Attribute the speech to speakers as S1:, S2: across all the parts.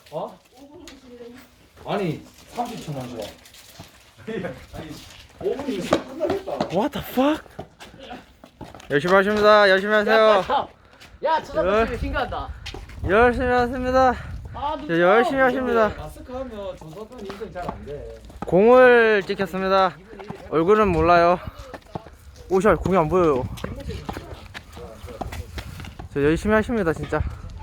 S1: 어? 아니 30초만 줘. 아니 5분이면 끝나겠다.
S2: What the fuck? 열심히 하십니다. 열심히 하세요.
S3: 야, 쳐다보시면 신기하다.
S2: 열심히 하십니다.
S3: 아,
S2: 저 열심히 하십니다.
S1: 마스크 하면 조사관 인증 잘 안 돼.
S2: 공을 찍혔습니다. 얼굴은 몰라요. 오샤 공이 안 보여요. 저 열심히 하십니다 진짜.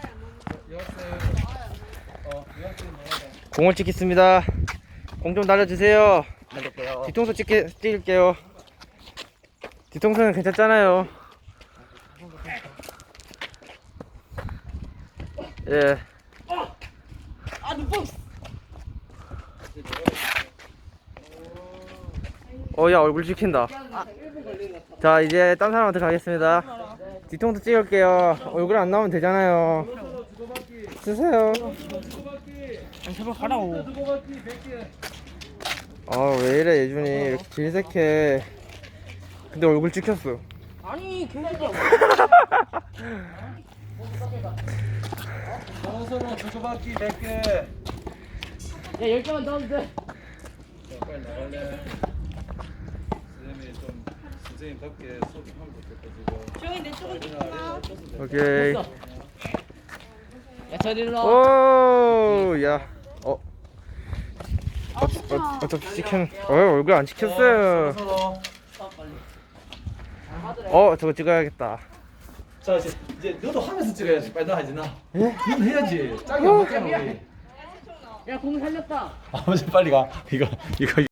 S2: 공을 찍겠습니다. 공 좀 날려주세요. 뒤통수 찍을게요. 뒤통수는 괜찮잖아요. 예.
S3: 아, 눈뽕.
S2: 야 얼굴 찍힌다. 자 이제 딴 사람한테 가겠습니다. 뒤통수 찍을게요. 얼굴 안 나오면 되잖아요. 쓰세요.
S3: 제발 가라고.
S2: 아 왜 이래 예준이 이렇게 질색해. 근데 얼굴 찍혔어.
S3: 아니, 개새끼야.
S1: 정선호 주고받기 100개.
S3: 야, 10개만 더 하면 돼.
S1: 자, 빨리 나갈래. 선생님 답게 소개하면 좋겠다 지금.
S4: 조용히 내 쪽은 찍구나.
S2: 오케이.
S3: 됐어. 야, 저리 일로 와.
S2: 오, 야. 어떻게 찍힌? 얼굴 안 찍혔어요.
S1: 정선호.
S2: 저거 찍어야겠다.
S1: 자 이제 너도 하면서 찍어야지. 빨리 나 하지 나. 넌 해야지. 짝이 안 맞잖아 우리.
S3: 야, 공 살렸다.
S1: 아버지 빨리 가. 이거